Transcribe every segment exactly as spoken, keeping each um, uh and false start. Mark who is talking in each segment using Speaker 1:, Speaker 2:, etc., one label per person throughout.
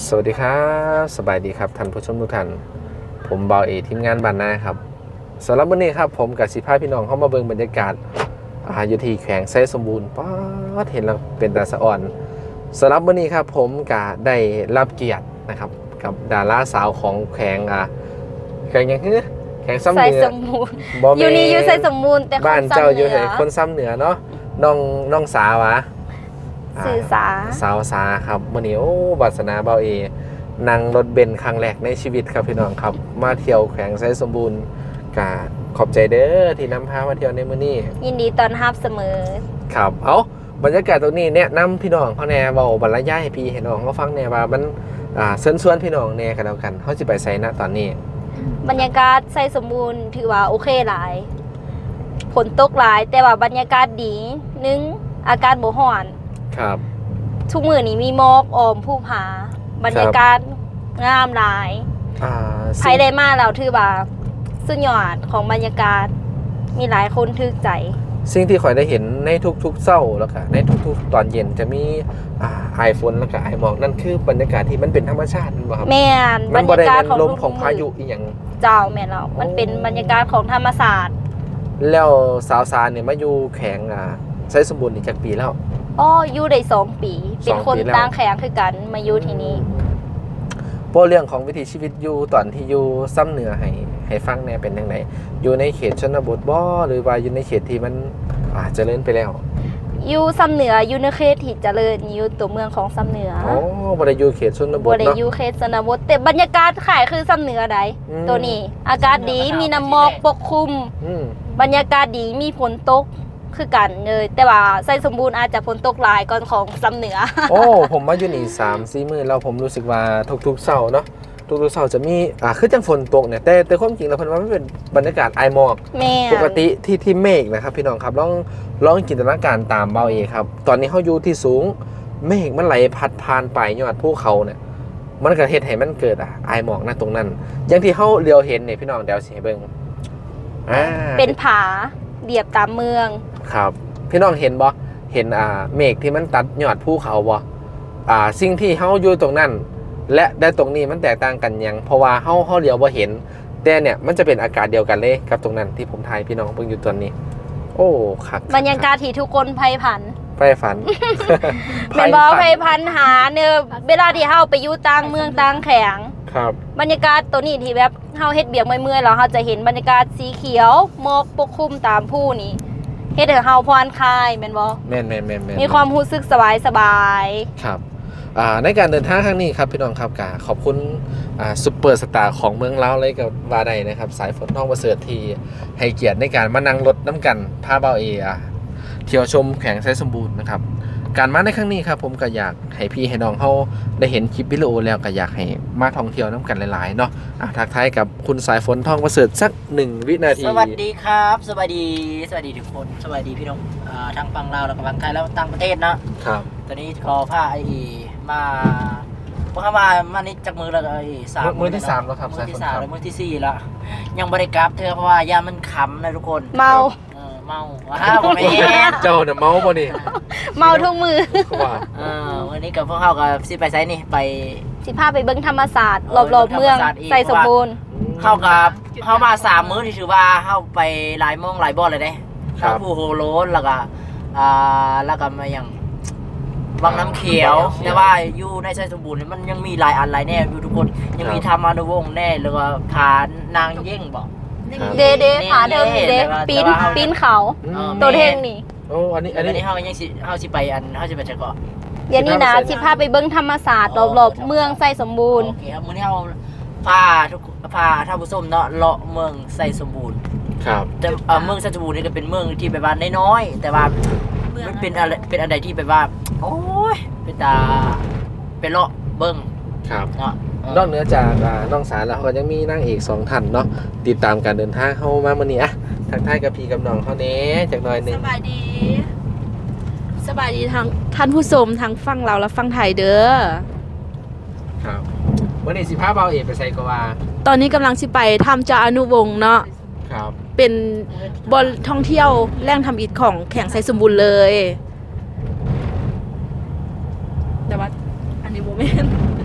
Speaker 1: สวัสดีครับสบายดีครับท่านผู้ชมทุกท่านผมเบาเอทีมงานบ้านนาครับสำหรับวันนี้ครับผมกับสิพาพี่น้องเข้ามาเบิ่งบรรยากาศอยู่ที่แขวงไซสมบูรณ์ป๊าดเห็นแล้วเป็นตาสะอ่อนสำหรับวันนี้ครับผมก็ได้รับเกียรตินะครับกับดาราสาวของแขวงอ่ะแขวงยังคือแขวงซ้ำเหนือ
Speaker 2: สมบูรณ์อยู่นี่อยู่ไซสมบูรณ์แต่
Speaker 1: บ้านเจ้าอยู่ไหนคนซ้ำเหนือเนาะน้องน้องสาวะ
Speaker 2: สื่อสา
Speaker 1: สาวสาครับวันนี้โอ้บัสนาเบาเอนั่งรถเบนซ์ครั้งแรกในชีวิตครับพี่น้องครับมาเที่ยวแขวงไซสมบูรณ์กะขอบใจเด้อที่นำพามาเที่ยวในมื้อนี้
Speaker 2: ยินดีต้อนรับเสมอ
Speaker 1: ครับเอาบรรยากาศตรงนี้แนะนำพี่น้องเขาแน่เบาบรรยายให้พี่ให้น้องเขาฟังแน่ว่ามันอ่าเชิญชวนพี่น้องแน่กันแล้วกันเขาสิไปไสณตอนนี้
Speaker 2: บรรยากาศไซสมบูรณ์ถือว่าโอเคหลายฝนตกหลายแต่ว่าบรรยากาศดีนึงอากาศบ่ร้อน
Speaker 1: ครับ
Speaker 2: ทุกมื้อนี้มีหมอกออมภูผาบรรยากาศงามหลายใครได้มาแล้วถือว่าสุดยอดของบรรยากาศมีหลายคนทึกใจ
Speaker 1: สิ่งที่ข่อยได้เห็นในทุกๆเช้าแล้วก็ในทุกๆตอนเย็นจะมีอ่าไอฝนแล้วก็ไอหมอกนั่นคือบรรยากาศที่มันเป็นธรรมชาติบ่ครับ
Speaker 2: แม่นบรรยากาศของ
Speaker 1: ลมของพายุอีหยัง
Speaker 2: เจ้าแม่นแล้วมันเป็นบรรยากาศของธรรมศาสตร์
Speaker 1: แล้วสาวสารเนี่ยมาอยู่แข็งอ่าไซสมบูรณ์นี่จักปีแล้ว
Speaker 2: อ๋ออยู่ได้สองปีเป็นคนต่างแข็งคือกันมาอยู่ที่นี่
Speaker 1: โปรเรื่องของวิถีชีวิตอยู่ตอนที่อยู่ซ้ำเหนือให้ให้ฟังแน่เป็นยังไงอยู่ในเขตชนบทบ่หรือว่าอยู่ในเขตที่มันอ่าเจริญไปแล้ว
Speaker 2: อยู่ซ้ำเหนืออยู่ในเขตที่เจริญอยู่ตัวเมืองของซ้ำเหนือ
Speaker 1: อ๋อบ่ได้อยู่เขตชนบทเนาะ
Speaker 2: บ่ได้อยู่เขตชนบทแต่บรรยากาศขายคือซ้ำเหนือใดตัวนี้อากาศดีมีน้ำหมอกปกคลุมบรรยากาศดีมีฝนตกคือกันเลยแต่ว่าไซสมบูรณ์อาจจะฝนตกหลายก่อนของซ้ำเหนือ
Speaker 1: โอ้ผมมาอยู่นี่ สามสี่ มื้อแล้วผมรู้สึกว่าทุกๆเช้าเนาะทุกๆเช้าจะมีอ่าคือจังฝนตกเนี่ยแต่แต่ความจริงแล้วเพิ่นว่ามันเป็นบรรยากาศไอหมอกปกติที่ที่เมฆนะครับพี่น้องครับลองลองจินตนาการตามเบาเอครับตอนนี้เฮาอยู่ที่สูงเมฆมันไหลพัดผ่านไปยอดภูเขาเนี่ยมันก็เฮ็ดให้มันเกิดอ่ะไอหมอกณตรงนั้นอย่างที่เฮาเลียวเห็นเนี่ยพี่น้องเดี๋ยวสิให้เบิ่ง
Speaker 2: อ่าเป็นผาเรียบตามเมือง
Speaker 1: ครับพี่น้องเห็นบ่เห็นอ่าเมฆที่มันตัดยอดภูเขาบ่อ่าสิ่งที่เฮาอยู่ตรงนั้นและได้ตรงนี้มันแตกต่างกันยังเพราะว่าเฮาเฮาเดียวบ่เห็นแต่เนี่ยมันจะเป็นอากาศเดียวกันเลยกับตรงนั้นที่ผมถ่ายพี่น้องเพิ่งอยู่ตอนนี้โอ้คัก
Speaker 2: บรรยากาศที่ทุกคนไผ่ผัน
Speaker 1: ไผ่ฝัน
Speaker 2: เป็นบ่ไผ่พันหาเนี่ยเวลาที่เฮาไปอยู่ต่างเมืองต่างแข็ง
Speaker 1: ครับ
Speaker 2: บรรยากาศตัวนี้ที่แบบเฮาเฮ็ดเบียกเมื่อยๆแล้วเฮาจะเห็นบรรยากาศสีเขียวหมอกปกคลุมตามผู้นี้เฮ็ดให้เฮาผ่อนคลายแม่นบ่
Speaker 1: แม่นๆๆๆ
Speaker 2: มีความรู้สึกสบาย
Speaker 1: ๆครับอ่าในการเดินทางครั้งนี้ครับพี่น้องครับกขอบคุณอ่าซุปเปอร์สตาร์ของเมืองลาวเลยกับวาไดนะครับสายฝนทองประเสริฐที่ให้เกียรติในการมานั่งรถน้ำกันพาเบาเออ่ะเที่ยวชมแขวงไซสมบูรณ์นะครับการมาในครั้งนี้ครับผมก็อยากให้พี่ให้น้องเขาได้เห็นคลิปวิดีโอแล้วก็อยากให้มาท่องเที่ยวน้ำกันหลายๆเนาะอ่ะทักทายกับคุณสายฝนทองประเสริฐสักหนึ่งวินาที
Speaker 3: สวัสดีครับสวัสดีสวัสดีทุกคนสวัสดีพี่น้องอ่าทางฝั่งลาวแล้วก็ฝั่งไทยแล้วต่างประเทศนะครับตอนนี้ขอพาไอ้มาพวกเขามามานี่จากมือแล้วไอ้
Speaker 1: สามมือที่สามแล้วครับ
Speaker 3: มือที่สามแล้วมือที่สี่แล้วยังบริกรับเธอเพราะว่ายามันขำนะทุกคน
Speaker 2: เมา
Speaker 3: เมาว้าวแม่
Speaker 1: เจ้าเนี่ยเมาป่ะนี่
Speaker 2: เมาทุกมือ
Speaker 1: ว่า
Speaker 3: เออวันนี้กับพวกเขากับสิไปไซนี่ไป
Speaker 2: สิพาไปเบิ้งธรรมศาสตร์รอบๆเมืองไซสมบูรณ์
Speaker 3: เข้ากับเข้ามาสามมื้อที่ถือว่าเข้าไปหลายมองหลายบ่อเลยเด้เข้าภูโฮโลนแล้วก็อ่าแล้วก็มาอย่างวังน้ำเขียวแต่ว่าอยู่ในไซสมบูรณ์มันยังมีหลายอันหลายแน่อยู่ทุกคนยังมีธรรมานวงแน่แล้วก็ผานางเย่งบอก
Speaker 2: เดเดผาเดิมเดปีนปีนเขาตัวเท่งนี่
Speaker 1: โอ้อันนี้อัน
Speaker 3: นี้เฮายังสิเฮาสิไปอันเฮาสิไปจักเกาะ
Speaker 2: เดี๋ยวนี้นะสิพาไปเบิ้งธรรมศาสตร์รอบๆเมืองไซสมบูรณ์
Speaker 3: โอเคครับมื้อนี้เฮาพาทุกพาท่านผู้ชมเนาะเลาะเมืองไซสมบูรณ์
Speaker 1: ครับ
Speaker 3: แต่เมืองไซสมบูรณ์นี่ก็เป็นเมืองที่แบบว่าน้อยๆแต่ว่ามันเป็นอะไรเป็นอะไรที่แบบว่าโอ้ยเป็นตาเป็นเลาะเบิ้ง
Speaker 1: ครับเนาะนอกเหนือจากน้องสารแล้วก็ยังมีนางเอกสองท่านเนาะติดตามการเดินทางเข้ามามื้อนี้อ่ะทักทายกับพี่กับน้องเขาเน้จักหน่อยนึง
Speaker 4: สบายดีสบายดีทางท่านผู้ชมทางฝั่งเราและฝั่งไทยเด้อ
Speaker 1: ครับมื้อนี้สิพาเบาเอกไปไสก็ว่า
Speaker 4: ตอนนี้กำลังสิไปทำจาอนุวงศ์เนาะ
Speaker 1: ครับ
Speaker 4: เป็นบอลท่องเที่ยวแหล่งทำอิฐของแข่งไซสมบูรณ์เลยแต่ว่าอันนี้โมเมนต์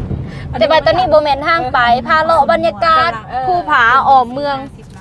Speaker 2: แต่ว่าตอนนี้บ่แม่นทางไปพาเลาะบรรยากาศภูผาอ้อมเมือง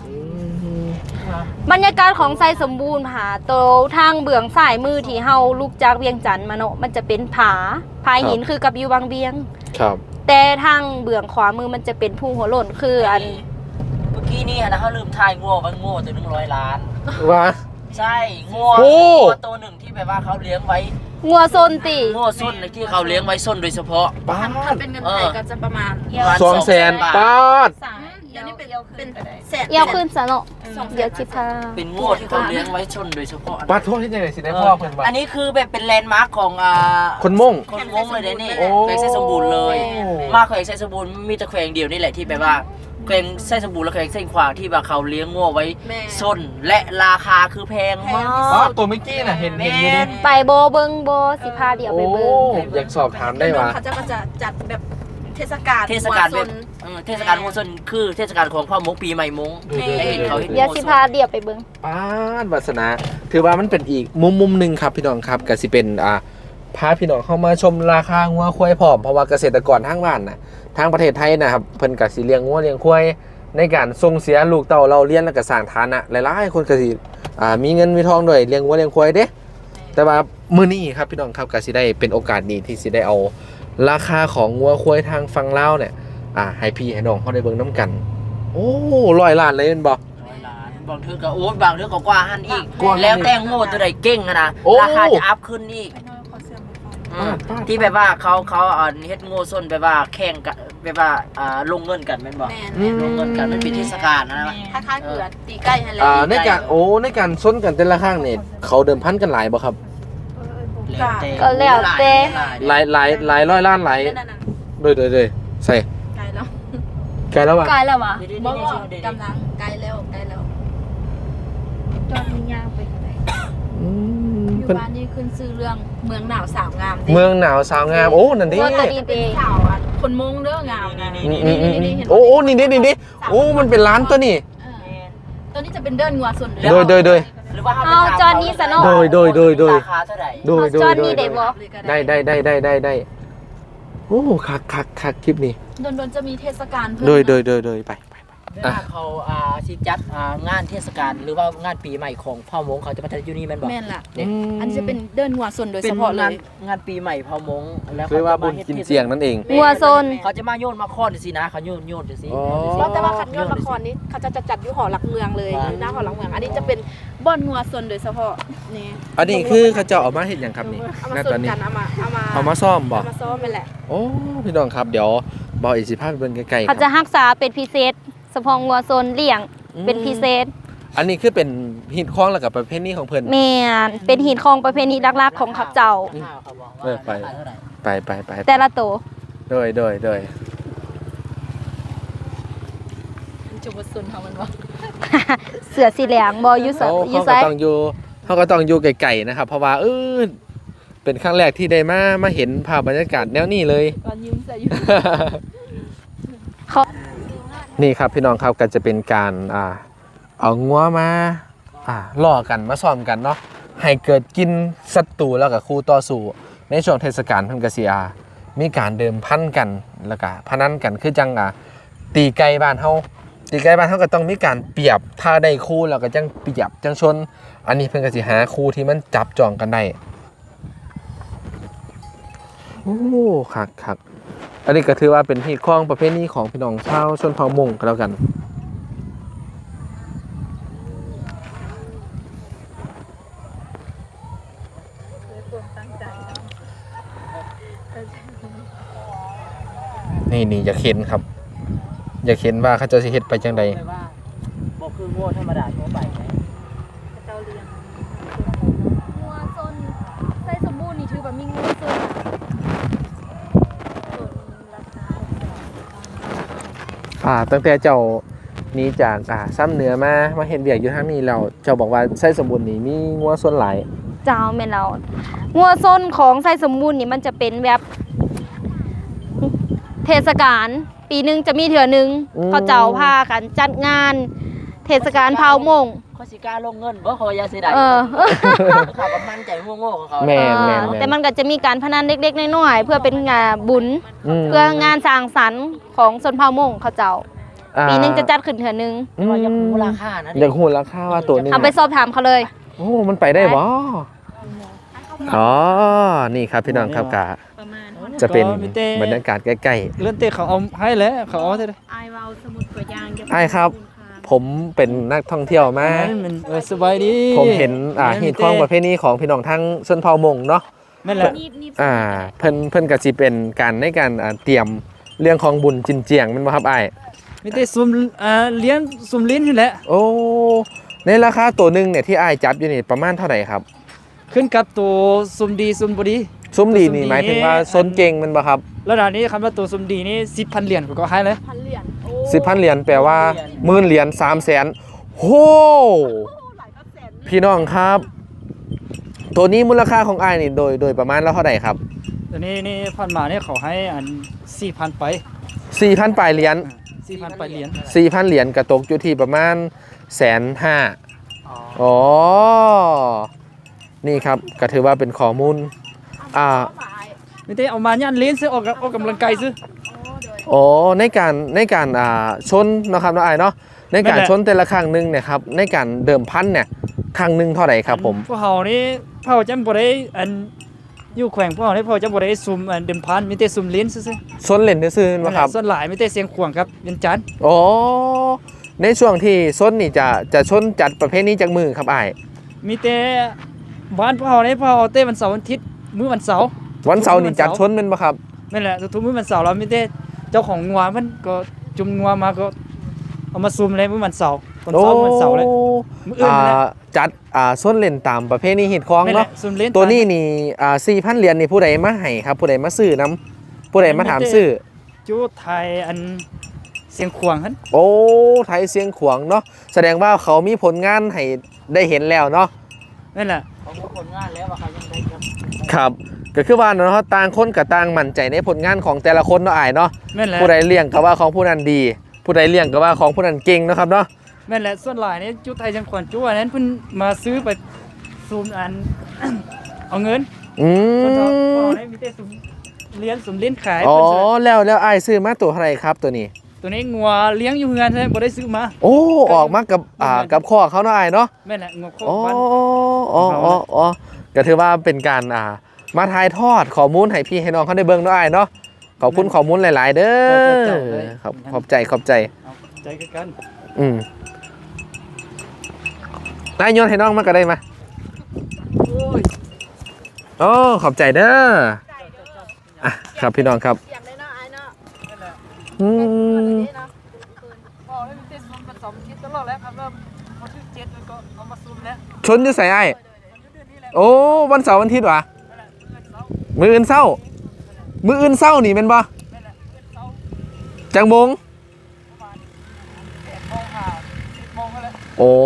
Speaker 2: บรรยากาศของไซสมบูรณ์ผาโตทางเบื้องซ้ายมือที่เฮาลุกจากเวียงจันทน์มาเนาะมันจะเป็นผาผาหินคือกับอยู่บางเวียง
Speaker 1: ครับ
Speaker 2: แต่ทางเบื้องขวามือมันจะเป็นภูหัวโล้นคืออัน
Speaker 3: เมื่อกี้นี่นะเขาลืมทายงัวว่างัวตัวหนึ่งร้อยล้าน
Speaker 1: ว่า
Speaker 3: ใช่งัว
Speaker 1: โอ้
Speaker 3: งัวตัวหนึ่งที่แบบว่าเขาเลี้ยงไว้
Speaker 2: งัวโซนติ
Speaker 3: งัวส้นที่เขาเลี้ยงไว้ส้นโดยเฉพาะ
Speaker 1: ป้า
Speaker 4: ถ้าเป็นเงินไทยก็จะประมาณ
Speaker 1: สองแสนป้าด
Speaker 4: เดี๋ยวนี้เป็นเป็นแสน
Speaker 2: เอียวขึ้นซะเนาะเดี๋ยวสิพา
Speaker 3: เป็นงัวที่เขาเลี้ยงไว้ส้นโดยเฉพาะ
Speaker 1: ป้าโทษที่จะไหนสิได้พ่อเพิ่นว่า
Speaker 3: อันนี้คือแบบเป็นแลนด์มาร์คของอ่า
Speaker 1: คนม่ง
Speaker 3: คนมงเลยเด้นี่
Speaker 1: โอ้
Speaker 3: แขวงไส้สมบูรณ์เลย มาแขวงไส้สมบูรณ์มีแต่แขวงเดียวนี่แหละที่แบบว่าแขวงไส้สมบูรณ์และแขวงไส้ขวางที่ว่าเขาเลี้ยงงัวไว้ส้นและราคาคือแพงมาก
Speaker 1: ป้าตัวเมื่อกี้น่ะเห็นเห็นอยู่ดิ
Speaker 2: ไปโบเบิงโบสิพาเดี๋ยวไปเบิง
Speaker 1: โอ้อยากสอบถามได้ว่า
Speaker 4: เขาจะก็จะจัดแบบเทศกาล
Speaker 3: เทศกาล
Speaker 4: หัว
Speaker 3: แบ
Speaker 4: ซ
Speaker 3: บ
Speaker 4: น
Speaker 3: เออเทศกาลงัวส้นคือเทศกาลของพ่อมงปีใหม่มง
Speaker 1: ดูๆ
Speaker 3: ได้เห็นเขาเห็น
Speaker 2: เดี๋ยว
Speaker 3: งัว
Speaker 2: สิ
Speaker 3: ส้
Speaker 2: พาน เดี๋ยวไปเบิง
Speaker 1: ป้าดวาสนา ถือว่ามันเป็นอีกมุมมุมหนึ่งครับพี่น้องครับก็สิเป็นอ่าพาพี่น้องเข้ามาชมราคางัวควายพร้อมเพราะว่าเกษตรกรทางบ้านน่ะทางประเทศไทยนะครับเพิ่นก็สิเลี้ยงงัวเลี้ยงควายในการส่งเสียลูกเต้าเราเรียนแล้วก็สร้างฐานะหลายๆคนก็สิอ่ามีเงินมีทองด้วยเลี้ยงงัวเลี้ยงควายเด้แต่ว่ามื้อนี้ครับพี่น้องครับก็สิได้เป็นโอกาสดีที่สิได้เอาราคาของงัวควายทางฝั่งลาวเนี่ยอ่าให้พี่ให้น้องเขาได้เบิ่งนํกันโอ้ร้อยล้านเลยแม่นบ่
Speaker 3: ร้อยล้านบางเทื่อก็โอ้ยบางเทื่อก็กว่าหันอีก
Speaker 1: กว่าหันอีก
Speaker 3: แล้วแต่โง่ตัวใดเก่งอะนะ
Speaker 1: โอ้
Speaker 3: ราคาจะอัพขึ้นอีกอืม
Speaker 1: ปาด
Speaker 3: ที่แบบว่าเขาเขาเอาเฮ็ดโง่ส้นแบบว่าแข่งกันแบบว่าอ่าลงเงินกันแม่นบ่
Speaker 4: แม่น
Speaker 1: อืม
Speaker 3: ลงเงินกันมันเป็นเทศกาลนะ
Speaker 4: คล้ายๆเกือตีใกล้ให้แล้ว
Speaker 1: อ่าในการโอ้ในการซ้นกันแต่ละข้างเนี่ยเขาเดิมพันกันหลายบ่ครับ
Speaker 2: ก็แล้วแต่
Speaker 1: หลายหลายหลายร้อยล้านหลาย
Speaker 4: นั่นน่ะ
Speaker 1: โดยโดยโดยใส่
Speaker 4: ไกลแล้ว
Speaker 1: ไกลแล้วว่ะ
Speaker 2: กลายแล้ววะ
Speaker 4: บอกว่ากำลังไกลแล้วไกลแล้วจอดมียางไปไหน
Speaker 1: อืม
Speaker 4: อยู่
Speaker 1: เพิ่น
Speaker 4: บ้านนี่ขึ้นซื้อเรื่องเมืองหนาวสาวงามดิ
Speaker 1: เมืองหนาวสาวงามโอ้นั่นดิ
Speaker 2: งัวตัวดี
Speaker 4: เป็
Speaker 2: เด
Speaker 4: นสาวอ่ะคนมงเด้องามนะ
Speaker 1: อืมอืมอืมอืมโอ้โอ้นี่ดินี่ดิโอ้มันเป็นร้านตัวนี่
Speaker 4: เออตัวนี้จะเป็นเดินงัวส่วน
Speaker 1: โดยโดยโดย
Speaker 3: หรือว่า
Speaker 2: เอาจอนี้ซะเนาะ
Speaker 1: โดยโดยโดยโดย
Speaker 3: ราคาเท่าไหร่
Speaker 1: โดยโด
Speaker 2: จ
Speaker 1: ย
Speaker 2: อ
Speaker 1: โด
Speaker 2: นี้
Speaker 1: ย
Speaker 2: ได้บ่
Speaker 1: ได้ได้ได้ได้ได้ได้โอ้คักคักคักคลิปนี้
Speaker 4: โดนโดนจะมีเทศกาลเพิ่ม
Speaker 1: โดยโดยโดยโดยไปไปไป
Speaker 3: เวลาเขาอ่าสิจัดอ่างานเทศกาลหรือว่างานปีใหม่ของพ่อมงเขาจะมาจัดอยู่นี่แม่นบ่
Speaker 4: แม่นล่ะ
Speaker 3: เนี่ย
Speaker 4: อันนี้จะเป็นเดินงัวส่วนโดย
Speaker 3: เป็
Speaker 4: เฉ
Speaker 3: น
Speaker 4: พาะเล
Speaker 3: งาน
Speaker 4: ย
Speaker 3: งานปีใหม่พ่อมงแล้ว
Speaker 1: เรียกว่าบุญกินเจียงนั่นเอง
Speaker 2: งัวโซน
Speaker 3: เขาจะมาโยนมาค้อนจังซี่นะเขาโยนโยนจังซี่
Speaker 1: อ๋อ
Speaker 4: แล้วแต่ว่าคันยอดละครนี้เขาจะจัดอยู่หอหลักเมืองเลยอยู่หน้าหอหลักเมือง อันนี้จะเป็นบ่อนงัวส่วนโดยเฉพาะนี่
Speaker 1: อันนี้คือเขาจะเอามาเห็นอย่างครับนี่
Speaker 4: เอา
Speaker 1: ห
Speaker 4: มา
Speaker 1: น้า
Speaker 4: ส่
Speaker 1: ต
Speaker 4: ว
Speaker 1: อน
Speaker 4: น
Speaker 1: นี้
Speaker 4: กันเอามาเอามา
Speaker 1: เอามาซ่อมบ่
Speaker 4: เอามาซ้อมไปแหละ
Speaker 1: โอ้พี่น้องครับเดี๋ยวบอกอีกสิภาพเป็นไกลๆค
Speaker 2: เขา
Speaker 1: รับ
Speaker 2: จะรักษาเป็นพิเศษเฉพาะงัวโซนเลี้ยงเป็นพิเศษ
Speaker 1: อันนี้คือเป็นหินคล้องแล้วกับประเภทนี้ของเพิ่น
Speaker 2: แม่นเป็นหินของประเพณีลักๆของเขาเจ้า
Speaker 3: เขาบอก
Speaker 1: เอ
Speaker 3: ว่า
Speaker 1: อไป
Speaker 3: ราคาเท่าไหร่
Speaker 1: ไปไปไป
Speaker 2: แต่ละตัว
Speaker 1: โดยโดยโดย
Speaker 4: จุบส่วนเขามันว่า
Speaker 2: เสือสีเหลืองบอยู่ไส
Speaker 1: เขา
Speaker 2: อยู่
Speaker 1: เขา
Speaker 2: ไส
Speaker 1: ก็ต้องอยู่เขาก็ต้องอยู่ไกลๆนะครับ เพราะว่าเออเป็นครั้งแรกที่ได้มามาเห็นภาพบรรยากาศแนวนี้เลย
Speaker 4: ก่อนยืมใส่อยู่
Speaker 2: เขา
Speaker 1: นี่ครับพี่น้องครับก็จะเป็นการอ่าเอางัวมาอ่าล่อกันมาซ้อมกันเนาะให้เกิดกินศัตรูแล้วก็คู่ต่อสู้ในช่วงเทศกาลเพิ่นก็สิอ่ามีการเดิมพันกันแล้วก็พนันกันคือจังอ่าตีไก่บ้านเฮาตีไก่บ้านเฮาก็ต้องมีการเปรียบถ้าได้คู่แล้วก็จังเปรียบจังชน อันนี้เพิ่นก็สิหาคู่ที่มันจับจองกันได้โอ้คักคักอันนี้ก็ถือว่าเป็นฮีตคล้องประเภทนี้ของพี่น้องชาวชนเผ่ามงก็แล้วกันนี่นี่อยากเห็นครับ อยากเห็นว่าเขาจะสิเฮ็ดไปจังใด
Speaker 3: เลยว่าบ่คือโง่ธรรมดาทั่วไปไหม
Speaker 4: เจ้าเลี้ยง
Speaker 2: งัวโซนไส้สมบูรณ์นี่ถือว่ามีงัวโซน
Speaker 1: อ่าตั้งแต่เจ้าหนี้จากอ่าซ้ำเหนือมามาเห็นเบียกอยู่ทางนี้แล้วเจ้าบอกว่าไส้สมบูรณ์นี่มีงัวส่วนหลาย
Speaker 2: เจ้าแม่นเรางัวโซนของไส้สมบูรณ์นี่มันจะเป็นแบบเทศกาลปีหนึงจะมีเถื่อหนึงเขาเจ้าพากันจัดงาน เทศกาลเผามง
Speaker 3: เขาสิกล้าลงเงินบ่ขอยาสิได้
Speaker 2: เออ
Speaker 3: เขาก็มั่นใจโง่ๆของเขา
Speaker 1: แม่นแม่น
Speaker 2: แต่มันก็จะมีการพนันเล็กๆน้อยๆเพื่อเป็นงานบุญ
Speaker 1: ม
Speaker 2: เพื่องานสร้างสรรค์ของชนเผ่ามงเขาเจ้า
Speaker 1: อ่า
Speaker 2: ปีหนึงจะจัดขึ้นเถื่อนึง
Speaker 1: อืม
Speaker 3: ว่ายังมูลค่านะ
Speaker 1: อยากหูราคาว่าตัวหนึง
Speaker 2: เอาไปสอบถามเขาเลย
Speaker 1: โอ้มันไปได้บ่อ๋อนี่ครับพี่น้องครับกะ
Speaker 4: ประมาณ
Speaker 1: จะเป็น
Speaker 5: ก็มีแต่
Speaker 1: บรรยากาศใกล้
Speaker 5: เลื่อนเตะเขาเอาให้แล้วเขาเอาเท่าไหร่
Speaker 4: ไอวาวสมุดตัวอย่าง
Speaker 1: ๆไอ้ครับ ผมเป็นนักท่องเที่ยวมา
Speaker 5: มันเออสบายดี
Speaker 1: ผมเห็นอ่าหีดคล้องประเภทนี้ของพี่น้องทั้งชนเผ่ามงเนาะ
Speaker 5: นั่นแหละ
Speaker 1: อ่าเพิ่นเพิ่นก็สิเป็นการในการอ่าเตรียมเรื่องของบุญจินเจียงแมันบ่ครับอ้าย
Speaker 5: มีแต่ซุ่มอ่าเลี้ยงซุ่มลิ้นนี่แหละ
Speaker 1: โอ้ในราคาตัวหนึงเนี่ยที่อ้ายจับอยู่นี่ประมาณเท่าไหร่ครับ
Speaker 5: ขึ้นกับตัวซุ่มดีซุ่มบ่ดี
Speaker 1: ซุ้มดีนี่
Speaker 5: ซุ้มดี
Speaker 1: หมายถึงว่าซนเก่งแมันบ่ครับ
Speaker 5: ระดับนี้คำว่าตัวซุ่มดีนี่สิบพันเหรียญก็ให้เลย
Speaker 4: พันเหรียญโอ้
Speaker 1: สิบพันเหรียญแปลว่าหมื่นเหรียญสามแสนโหพี่น้องครับ ตัวนี้มูลค่าของอ้ายนี่โดยโดยประมาณแล้วเท่าไหร่ครับ
Speaker 5: ตัวนี้นี่พันมาเนี่ยเขาให้อันสี่พันไป
Speaker 1: สี่พันปลายเหรียญ
Speaker 5: สี่พันไปเหรียญ
Speaker 1: สี่พันเหรียญกระตกอยู่ที่ประมาณแสนห้า
Speaker 3: อ๋อ
Speaker 1: อ๋อ นี่ครับก็ถือว่าเป็นข้อมูล อ่า
Speaker 5: มีแต่เอามาย่านลิ้นซื้อออกออกกำลังกายซื้อ
Speaker 1: โอ้ในการในการอ่าชนเนาะครับน้องไอ้ายเนาะ ในการ
Speaker 5: นั่นแหละ
Speaker 1: ชนแต่ละครั้งหนึ่งเนี่ยครับ ในการเดิมพันเนี่ย ครั้งหนึ่งเท่าไหร่ครับผม
Speaker 5: พวกเขานี่พวกเขาจำบ่ได้อันอยู่แขวงพวกเขานี่พวกเขาจำบ่ได้ซุ่มอันเดิมพันมีแต่ซุ่มลิ้นซื่อ
Speaker 1: ชนเล่นซื่อๆ
Speaker 5: ๆ
Speaker 1: นะครับ
Speaker 5: ส่วนหลายมีแต่เสียงขวางครับเวียนจันทน์
Speaker 1: โอ้ ในช่วงที่ชนนี่จะจะชนจัดประเภทนี้จากมือครับไอ้าย
Speaker 5: มีแต่บ้านพวกเขานี่พวกเขาเต้วันเสาร์วันอาทิตย์มื้อวันเสาร์
Speaker 1: วันเสาร์นี่จัดชนเป็นปะครับ
Speaker 5: นั่นแหละทุกๆมื้อวันเสาร์เรามีแต่เจ้าของงัวมันก็จุ่มงัวมาก็เอามาซุ่มเลยมื้อวันเสาร์ตอน
Speaker 1: โอ้
Speaker 5: เช้าวันเสาร์เลย มื้ออื่น
Speaker 1: อ่า
Speaker 5: นั่นแหละ
Speaker 1: จัดอ่าชนเล่นตามประเภทนี้หิดคล้อง
Speaker 5: นั่นแห
Speaker 1: เนาะ
Speaker 5: ละซุ่มเล่น
Speaker 1: ตัวนี้นี่อ่าสี่พันเหรียญนี่ผู้ใดมาให้ครับ ผู้ใดมาซื้อน้ำผู้ใดมาถามซื้อ
Speaker 5: จูไทยอันเสียงขวางหั่น
Speaker 1: โอ้ไทยเสียงขวางเนาะแสดงว่าเขามีผลงานให้ได้เห็นแล้วเนาะ
Speaker 5: นั่นแหละ
Speaker 3: เขามีผลงานแล้วว่าเขายังได้ครับ
Speaker 1: ครับก็คือว่าเนาะต่างคนกับต่างมั่นใจในผลงานของแต่ละคนเนาะอ้ายเนาะ
Speaker 5: นั่นแหละ
Speaker 1: ผู้ใดเลี้ยงก็ว่าของผู้นั้นดี ผู้ใดเลี้ยงก็ว่าของผู้นั้นเก่งเนาะครับเนาะ
Speaker 5: นั่นแหละส่วนหลายนี่จูไทยเสียงขวางจูอันนั้นเพิ่นมาซื้อไปซุ่มอัน เอาเงิน
Speaker 1: อื
Speaker 5: คนเราพวก
Speaker 1: ม
Speaker 5: เราได้มีแต่ซุ่มเลี้ยงซุ่มเล่นขาย
Speaker 1: อ๋อ
Speaker 5: เพิ่นซื้อ
Speaker 1: แล้วแล้วอ้ายซื้อมาตัวเท่าไหร่ครับตัวนี้
Speaker 5: ตัวนี้งัวเลี้ยงอยู่เฮือนใช่บ่ได้ซื้อมา
Speaker 1: โอ้ออกมากับอ่ากับข้อเขาเนาะอ้ายเนาะ
Speaker 5: แม่นแหละงัวโค
Speaker 1: อ๋อ
Speaker 5: บ้าน
Speaker 1: อ๋ออ๋ออ๋อก็ถือว่าเป็นการอ่ามาถ่ายทอดข้อมูลให้พี่ให้น้องเขาได้เบิ่งเนาะอ้ายเนาะขอบคุณข้อมูลหลาย ๆ เด้อขอบขอบใจขอบใจ
Speaker 5: เอาใจคือกัน
Speaker 1: อืมนายโยนให้น้องมาก็ได้มา
Speaker 5: โอ้ย
Speaker 1: โอ้ขอบใจเด้ออ่ะครับพี่น้องครับ
Speaker 4: เสียงเลยเนาะไอเนาะ
Speaker 1: อืม
Speaker 5: พอได้มีแต่ซุ่มผสมคิดตลอดแล้วครับว่าพอถึงเจ็ดแล้วก็เอามาซุ่มแล้ว
Speaker 1: ชนอยู่ใส่ไอ้ายโอ้วันเสาร์วันอาทิตย์วะมืออื่นเศร้า มืออื่นเศร้านี่เป็นบ่จังมงโอ้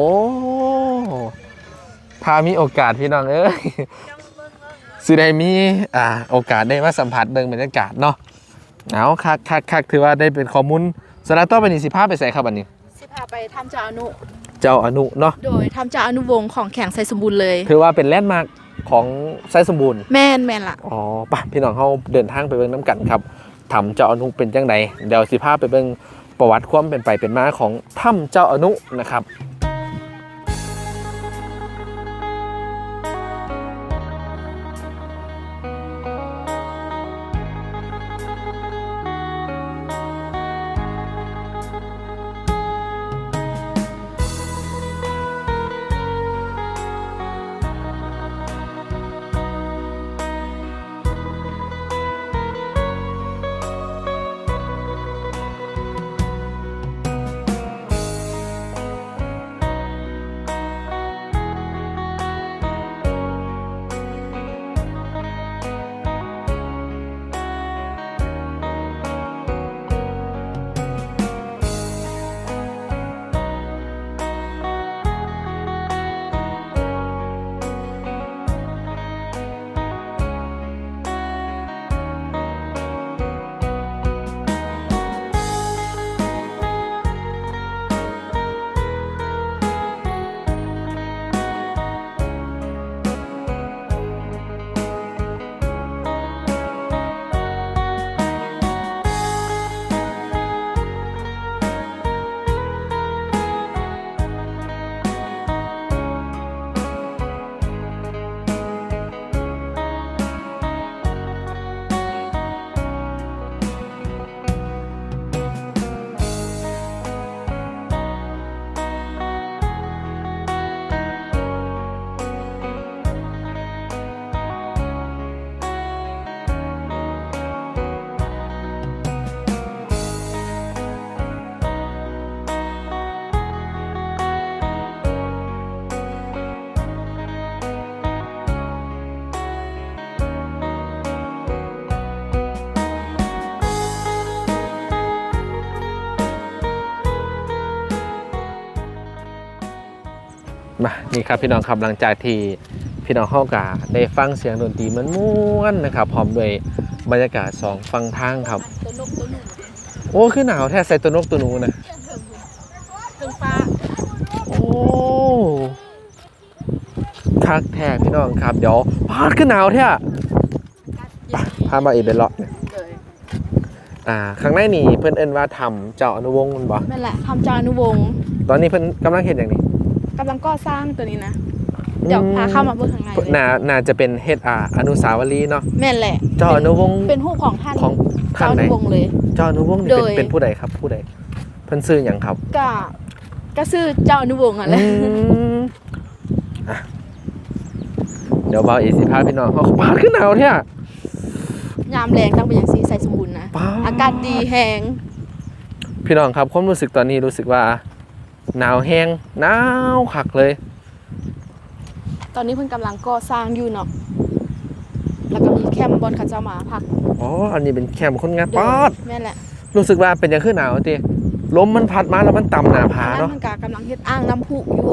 Speaker 1: พามีโอกาสพี่น้องเอ้ยสิได้มีอ่าโอกาสได้มาสัมผัสเบิ่งบรรยากาศเนาะเอาคักคักคักถือว่าได้เป็นข้อมูลสำหรับต่อไปนี้สิพาไปใส่ครับอันนี้
Speaker 4: สิพาไปทำเจ้าอนุ
Speaker 1: เจ้าอนุเนาะ
Speaker 4: โดยทำเจ้าอนุวงศ์ของแข่งไซสมบูรณ์เลย
Speaker 1: ถือว่าเป็นแลนด์มาร์คของไซสมบูรณ์
Speaker 4: แม่นแม่นล่ะ
Speaker 1: อ๋อป่ะพี่น้องเขาเดินทางไปเบิ่งน้ำกันครับถ้ำเจ้าอนุเป็นจังไดเดี๋ยวสิพาไปเบิ่งประวัติความเป็นไปเป็นมาของถ้ำเจ้าอนุนะครับนี่ครับพี่น้องครับหลังจากที่พี่น้องเฮากะได้ฟังเสียงดนตรีมันม่วนนะครับพร้อมด้วยบรรยากาศสองฟังทางครับ
Speaker 4: ตัวนกตัวหนู
Speaker 1: โอ้คือหนาวแท้ใส่ตัวนกตัวหนูนะ
Speaker 4: เพิ่งฟ้า
Speaker 1: โอ้คักแท้พี่น้องครับเดี๋ยวพาดขึ้นหนาวแท้ไปพามาอีกเป็นเลาะเนี่ย
Speaker 4: เลย
Speaker 1: อ่าข้างในนี่เพิ่นเอิ้นว่าทำเจ้าอนุวงศ์มันบ่
Speaker 4: นั่นแหละทำจานุวงศ์
Speaker 1: ตอนนี้เพิ่นกำลังเฮ็ดอย่างนี้
Speaker 4: กำลังก่อสร้างตัวนี้นะเดี๋ยวพาเข้ามาเบิ่งข้างในเลย
Speaker 1: น่าน่าจะเป็นเฮ็ดอ่าอนุสาวรีย์เนาะ
Speaker 4: แม่นแหละ
Speaker 1: เจ้าอนุวงศ์
Speaker 4: เป็นรูปของท่าน
Speaker 1: ของท่า
Speaker 4: เจ้าน อ
Speaker 1: ไหน
Speaker 4: นุวงศ์เลย
Speaker 1: เจ้าอนุวงศ์นี่
Speaker 4: โด
Speaker 1: เป็น
Speaker 4: ย
Speaker 1: เป็นผู้ใดครับผู้ใดเพิ่นชื่อหยังครับ
Speaker 4: ก็ก็ชื่อเจ้าอนุวงศ์อ่ะแหละ
Speaker 1: อืมอ่ะเดี๋ยวเบาอีสิพาพี่น้องเขาปาดขึ้นหนาวแท้
Speaker 4: ยามแรงต้องเป็นอย่างสีใส่สมบูรณ์นะ
Speaker 1: ปาด
Speaker 4: อากาศดีแหง
Speaker 1: พี่น้องครับความรู้สึกตอนนี้รู้สึกว่าหนาวแห้งหนาวคักเลย
Speaker 4: ตอนนี้เพิ่นกำลังก่อสร้างอยู่เนาะแล้วก็มีแคมป์บอนเขาเจ้ามาพัก
Speaker 1: อ๋ออันนี้เป็นแคมป์คนงาน
Speaker 4: เดี๋ยว
Speaker 1: ปาด
Speaker 4: แม่นแหละ
Speaker 1: รู้สึกว่าเป็นยังขึ้นหนาวติลมมันพัดมาแล้วมันต่ำหนาผา
Speaker 4: อันนั้น
Speaker 1: เนาะ
Speaker 4: มันก็กำลังเฮ็ดอ่างน้ำพุอยู่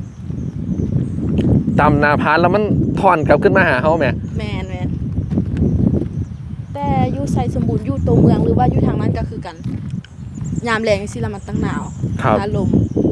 Speaker 1: ต่ำหนาผาแล้วมันถอนกลับขึ้นมาหาเฮาแหม
Speaker 4: แม่นแม่นแต่อยู่ใส่สมบูรณ์อยู่ตัวเมืองหรือว่าอยู่ทางนั้นก็คือกัน ยามแรงสิละมันตั้งหนาว
Speaker 1: ครับ
Speaker 4: อารมณ์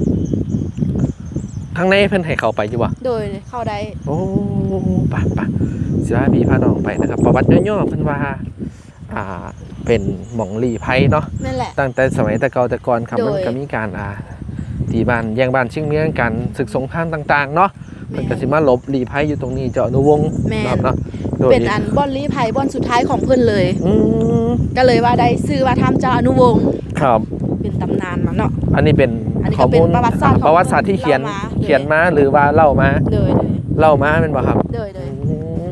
Speaker 1: ข้างในเพิ่นให้เข้าไปอยู่บ่
Speaker 4: โดยเข้าได้
Speaker 1: โอ้ปะปะสิพาพี่พาน้องไปนะครับประวัติย่อๆเพิ่นว่าอ่าเป็นหม่องลี้ภัยเนาะ
Speaker 4: นั่นแหละ
Speaker 1: ตั้งแต่สมัยแต่เก่าแต่ก่อนครับ
Speaker 4: โดย
Speaker 1: มันก็มีการอ่าตีบ้านแย่งบ้านชิงเมืองกันศึกสงครามต่างๆเนาะมันก็สิมาหลบลี้ภัยอยู่ตรงนี้เจ้าอนุวงศ์
Speaker 4: แม่น
Speaker 1: ครับเนาะโดย
Speaker 4: เป็นอันบอนลี้ภัยบอนสุดท้ายของเพิ่นเลย
Speaker 1: อืม
Speaker 4: ก็เลยว่าได้ชื่อว่าถ้ำเจ้าอนุวงศ์
Speaker 1: ครับ
Speaker 4: เป็นตำนานมาเนาะ
Speaker 1: อันนี้เป็น
Speaker 4: อันนี้ก็
Speaker 1: ข้อ
Speaker 4: เป็น
Speaker 1: มูล
Speaker 4: ประวัติศาสตร์ของ
Speaker 1: ประวัติศาสตร์ที่เขียน
Speaker 4: เล่ามา
Speaker 1: เขียนมาหรือว่าเล่ามา
Speaker 4: โดย
Speaker 1: เล่ามาเป็นบ่ครับ
Speaker 4: โดยโดย
Speaker 1: อืม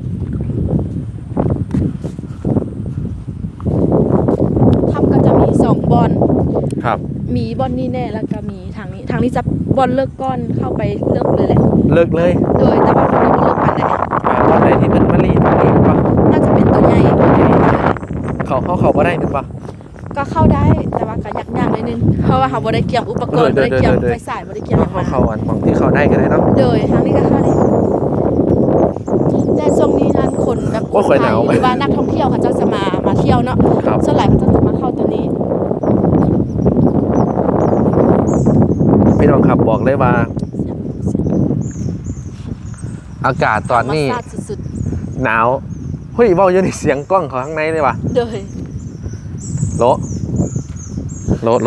Speaker 4: ถ้ำก็จะมีสองบอน
Speaker 1: ครับ
Speaker 4: มีบอนนี่แน่แล้วก็มีทางนี้ ทางนี้จะบอนเลิกก้อนเข้าไปเลิกเลยแหละ
Speaker 1: เลิกเลย
Speaker 4: โดยแต่ว่าคนนี้บ่เลิกปานใด
Speaker 1: อ่าตอนไหนที่เป็นมะลีตอนนี้เป็นบ่
Speaker 4: น่าจะเป็นตัวใหญ่
Speaker 1: เขาเขาเขาบ่ได้เป็นบ่
Speaker 4: ก็เข้าได้แต่ว่าก็ยักยากนิดนึงเพราะว่าเขาบ่ได้เกี่ยมอุปกรณ์
Speaker 1: เอ
Speaker 4: บ่
Speaker 1: อเดี๋ยว
Speaker 4: ได้เกี่ยม
Speaker 1: เดี๋ยว
Speaker 4: ไฟสายบ่ได้เกี่ยม
Speaker 1: เขาเขาอันของที่เขาได้กันเลยเนาะ
Speaker 4: โดยทางนี้ก็เข้าได้แต่ช่วงนี้ท่านคนแบบ
Speaker 1: โอ้ยข่อยหนาว
Speaker 4: หรือว่านักท่องเที่ยวเขาเจ้าจะมามาเที่ยวเนาะ
Speaker 1: ครับ
Speaker 4: ส่วนใหญ่เขาจะมาเข้าตัวนี้
Speaker 1: พี่น้องครับบอกเลยว่า อากาศตอนนี้
Speaker 4: ธรรมชาติสุด
Speaker 1: หนาวเฮ้ยเว้าอยู่ในเสียงกล้องเขาข้างในเลยว่ะ
Speaker 4: ๆโดย
Speaker 1: โลโลโล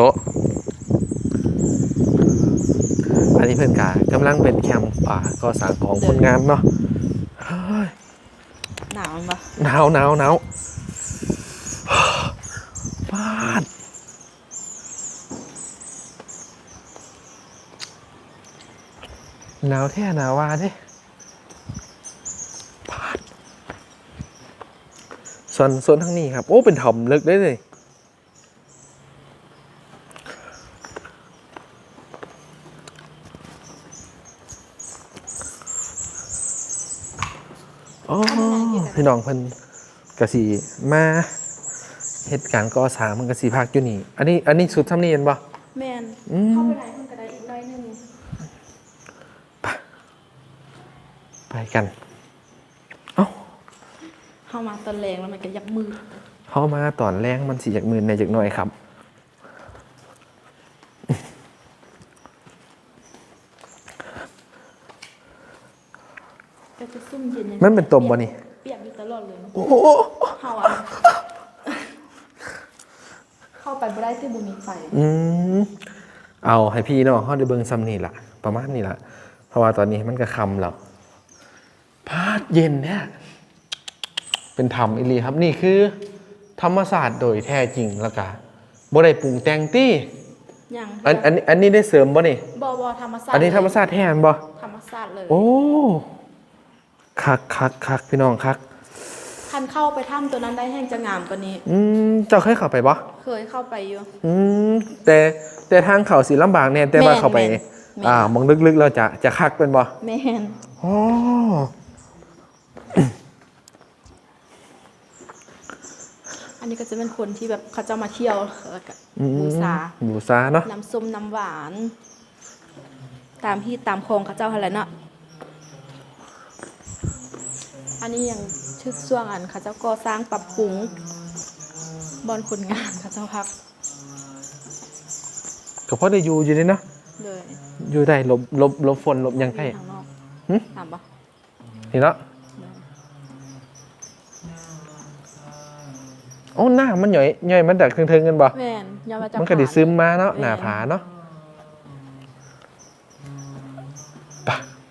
Speaker 1: อันนี้เพื่อนกากำลังเป็นแคมป์ป่าก่อสร้างของคนงานเนาะเฮ้ย
Speaker 4: หนาวปะ
Speaker 1: หนาวหนาวหนาวบ้านหนาวแท้หนาวว่าเด้บ้านส่วนส่วนทางนี้ครับ โอ้เป็นถ่อมลึกได้เลยอ๋อพี่น้องเพิ่นกะสีมาเหตุการณ์ก่อสร้างมันกะสีพักอยู่นี่ อันนี้อันนี้สุดทำนี่เห็นปะ
Speaker 4: แมน
Speaker 1: อืม
Speaker 4: เข้าไปไหนเพิ่นก็ได้อีกหน้อยหนึง
Speaker 1: ไปกัน เอ้า
Speaker 4: เข้ามาตอนแรงแล้วมันก็ยักมือ
Speaker 1: เข้ามาตอนแรงมันสีจากมือในจากหน่อยครับ
Speaker 4: ก็จะซุ่มเย็น
Speaker 1: มันเป็นตมบ่นี่
Speaker 4: เปียกอยู่ตลอดเลย
Speaker 1: โอ้โห
Speaker 4: เข้าอ่ะเข้าไปบ่ได้ที่บ่มีไฟ
Speaker 1: อืมเอาให้พี่เนาะเขาได้เบิ่งซ้ำนี่ล่ะ ประมาณนี้ล่ะ เพราะว่าตอนนี้มันก็คำแล้วพาดเย็นเนี่ยเป็นธรรมอีหลีครับ นี่คือ ธรรมศาสตร์โดยแท้จริงแล้วก็บ่ได้ปรุงแต่งตี้
Speaker 4: ยัง
Speaker 1: อันอันอันนี้ได้เสริมบ่นี่
Speaker 4: บ่บ่ธรรมศาสตร์
Speaker 1: อันนี้ธรรมศาสตร์แท้นบ่
Speaker 4: ธรรมศาสตร์เลย
Speaker 1: โอ้คักคักคักพี่น้องคัก
Speaker 4: คันเข้าไปถ้ำตัวนั้นได้แห้งจะงามกว่านี้
Speaker 1: อืมเจ้าเคยเข้าไปบ่
Speaker 4: เคยเข้าไปอยู่
Speaker 1: อืมแต่แต่ทางเขาสิลำบากแน่แต่ว่า
Speaker 4: แม่น
Speaker 1: เข้าไป
Speaker 4: แม่น
Speaker 1: อ่ามองลึกๆเราจะจะคักเป็นบ่
Speaker 4: แม่น
Speaker 1: อ๋อ
Speaker 4: อันนี้ก็จะเป็นคนที่แบบเขาจะมาเที่ยวแล้วก็
Speaker 1: อืม
Speaker 4: บูชา
Speaker 1: บูชาเนาะ
Speaker 4: น้ำส้มน้ำหวาน ตามที่ตามคลองเขาเจ้าอะไรเนาะอันนี้ยังชื่อช่วงอันเขาเจ้าก่อสร้างปรับปรุงบอนคนงานเขาเจ้าพัก
Speaker 1: ก็พอได้อยู่อยู่นี่เนาะ
Speaker 4: เลย
Speaker 1: อยู่ได้หลบหลบหลบฝนหลบหยังได้
Speaker 4: ทางนอก
Speaker 1: หึ
Speaker 4: ถามปะ
Speaker 1: นี่เนาะโอ้หน้ามันหย่อยหย่อยมันดักเทิงๆกันบ่
Speaker 4: แม่นยามาจาก
Speaker 1: มันก็ดิซึมมาเนาะหน้าผาเนาะไป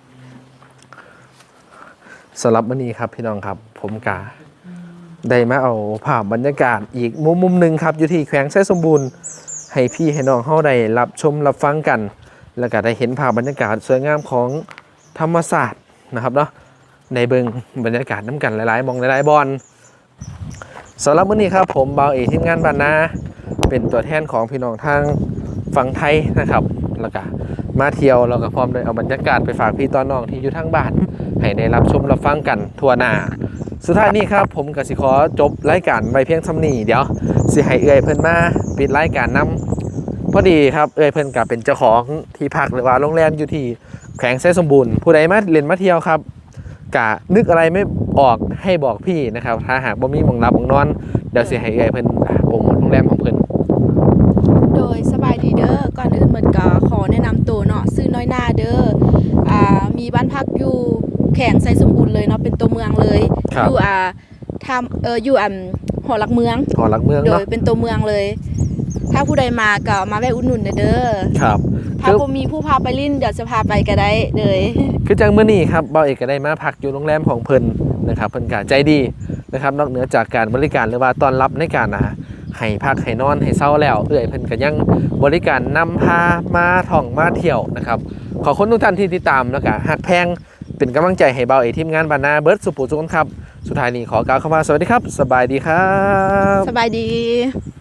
Speaker 1: สำหรับวันนี้ครับพี่น้องครับ ผมกาได้มาเอาภาพบรรยากาศอีกมุมมุมหนึ่งครับ อยู่ที่แขวงไส้สมบูรณ์ให้พี่ให้น้องเฮาได้รับชมรับฟังกัน แล้วก็ได้เห็นภาพบรรยากาศสวยงามของธรรมศาสตร์นะครับเนาะในเบิงบรรยากาศน้ำกันหลายๆมองหลายๆบอลสำหรับวันนี้ครับผมเบาเอทีมงานบ้านนาเป็นตัวแทนของพี่น้องทางฝั่งไทยนะครับแล้วก็มาเที่ยวแล้วก็พร้อมได้เอาบรรยากาศไปฝากพี่ตอนน้องที่อยู่ทางบ้านให้ได้รับชมรับฟังกันทั่วหน้าสุดท้ายนี้ครับผมก็สิขอจบรายการไว้เพียงเท่านี้เดี๋ยวสิให้เอื้อยเพิ่นมาปิดรายการนำพอดีครับเอื้อยเพิ่นก็เป็นเจ้าของที่พักหรือว่าโรงแรมอยู่ที่แขวงไส้สมบูรณ์ผู้ใดมาเล่นมาเที่ยวครับกะนึกอะไรไม่ออกให้บอกพี่นะครับถ้าหากบ่มีหม่องรับหม่องนอนเดี๋ยวสิให้เอื้อยเพิ่นอ่าโปรโมทโรงแรมของเพิ่น
Speaker 4: โดยสบายดีเด้อก่อนอื่นเหมือนก็ขอแนะนำตัวเนาะซื้อน้อยหน้าเด้ออ่ามีบ้านพักอยู่แข่งไซสมบูรณ์เลยเนาะเป็นตัวเมืองเลย
Speaker 1: ครับ
Speaker 4: อยู่อ่าทำเอออยู่อ่าหอหลักเมือง
Speaker 1: หอหลักเมือง
Speaker 4: โด
Speaker 1: เนาะ
Speaker 4: ยเป็นตัวเมืองเลย ถ้าผู้ใดมาก็มาแวะอุดหนุนเด้อ
Speaker 1: ครับ
Speaker 4: ถ้าบ่มีผู้พาไปลิ้นเดี๋ยวจะพาไปก็ได้เลย
Speaker 1: คือจังมื้อนี้ครับเบาเอกก็ได้มาพักอยู่โรงแรมของเพิ่นนะครับเพิ่นก็ใจดีนะครับนอกเหนือจากการบริการหรือว่าต้อนรับในการนะให้พักให้นอนให้เช้าแล้วเอื้อยเพิ่นก็ยังบริการนำพามาท่องมาเที่ยวนะครับขอบคุณทุกท่านที่ติดตามแล้วก็ฮักแพงเป็นกำลังใจให้เบาเอกทีมงานบานนาเบิร์ดสุปุทุกคนครับสุดท้ายนี้ขอกล่าวคำว่าสวัสดีครับสบายดีครับ
Speaker 4: สบายดี